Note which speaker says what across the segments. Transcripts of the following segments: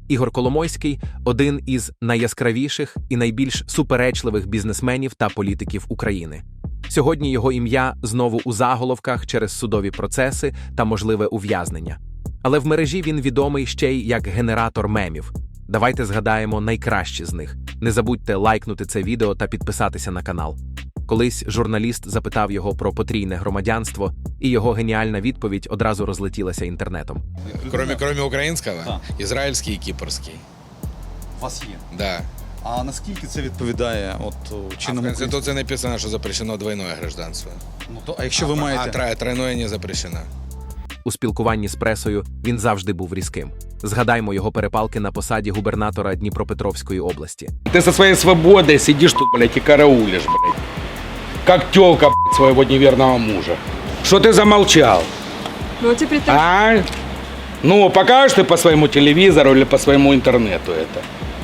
Speaker 1: Ігор Коломойський – один із найяскравіших і найбільш суперечливих бізнесменів та політиків України. Сьогодні його ім'я знову у заголовках через судові процеси та можливе ув'язнення. Але в мережі він відомий ще й як генератор мемів. Давайте згадаємо найкращі з них. Не забудьте лайкнути це відео та підписатися на канал. Колись журналіст запитав його про потрійне громадянство, і його геніальна відповідь одразу розлетілася інтернетом.
Speaker 2: Кроме українського,
Speaker 3: Так.
Speaker 2: ізраїльський і кіпрський.
Speaker 3: У вас є.
Speaker 2: Да.
Speaker 3: А наскільки це відповідає
Speaker 2: В
Speaker 3: чинному
Speaker 2: Конституції написано, що запрещено двойное гражданство.
Speaker 3: А якщо ви маєте...
Speaker 2: А тройное не запрещено.
Speaker 1: У спілкуванні з пресою він завжди був різким. Згадаймо його перепалки на посаді губернатора Дніпропетровської області.
Speaker 4: Ты со своей свободой сидишь тут, блядь, и караулишь, блядь. Как тёлка, блядь, своего неверного мужа. Что ты замолчал?
Speaker 5: Ну, теперь так.
Speaker 4: А? Ну, покажешь ты по своему телевизору или по своему интернету это?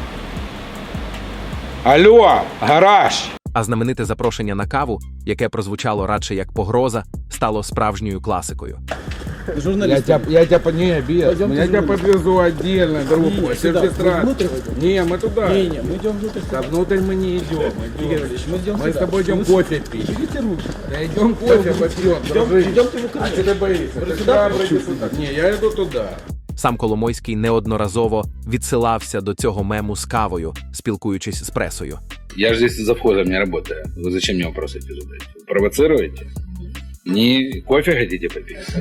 Speaker 4: Алло, гараж!
Speaker 1: А знамените запрошення на каву, яке прозвучало радше як погроза, стало справжньою класикою.
Speaker 4: Я тебя не обидел. Я тебя подвезу отдельно, другой. Не, мы туда.
Speaker 6: Не, мы идем внутрь.
Speaker 4: Да внутрь мы не идем.
Speaker 6: Мы идем
Speaker 4: Мы с
Speaker 6: сюда.
Speaker 4: тобой идем кофе пить.
Speaker 6: Берите руки.
Speaker 4: Да идем кофе попьем, дружище.
Speaker 6: Идемте в
Speaker 4: А
Speaker 6: Украину.
Speaker 4: ты не боишься?
Speaker 6: Вы
Speaker 4: Ты
Speaker 6: сюда
Speaker 4: сюда
Speaker 6: пришли?
Speaker 4: сюда. Не, я иду туда.
Speaker 1: Сам Коломойський неодноразово відсилався до цього мему з кавою, спілкуючись з пресою.
Speaker 4: Я же здесь завхозом не работаю. Вы зачем мне вопросы эти задаете? Провоцируете? Не кофе хотите попить?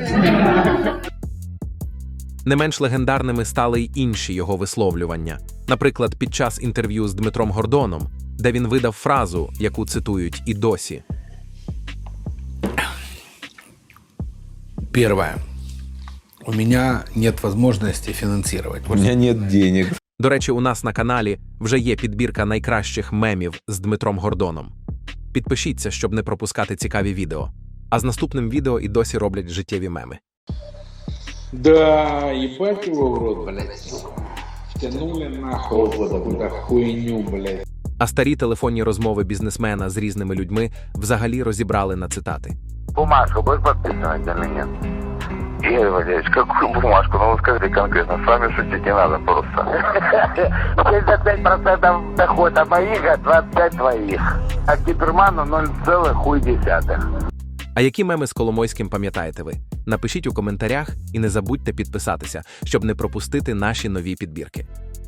Speaker 1: Не менш легендарними стали й інші його висловлювання. Наприклад, під час інтерв'ю з Дмитром Гордоном, де він видав фразу, яку цитують і досі.
Speaker 7: Первое. У меня нет возможности финансировать.
Speaker 8: У меня нет денег.
Speaker 1: До речі, у нас на каналі вже є підбірка найкращих мемів з Дмитром Гордоном. Підпишіться, щоб не пропускати цікаві відео. А з наступним відео і досі роблять життєві меми.
Speaker 4: Да, ебать его в рот, блядь. Втянули нахуй какую-то хуйню, блядь.
Speaker 1: А старі телефонні розмови бізнесмена з різними людьми взагалі розібрали на цитати.
Speaker 9: Бумажку будешь подписывать или нет? Игорь Валерьевич, какую бумажку? Ну, вы скажите конкретно, с вами шутить не надо просто. 75% дохода моих, а 25 твоих. А Киперману 0,1.
Speaker 1: А які меми з Коломойським пам'ятаєте ви? Напишіть у коментарях і не забудьте підписатися, щоб не пропустити наші нові підбірки.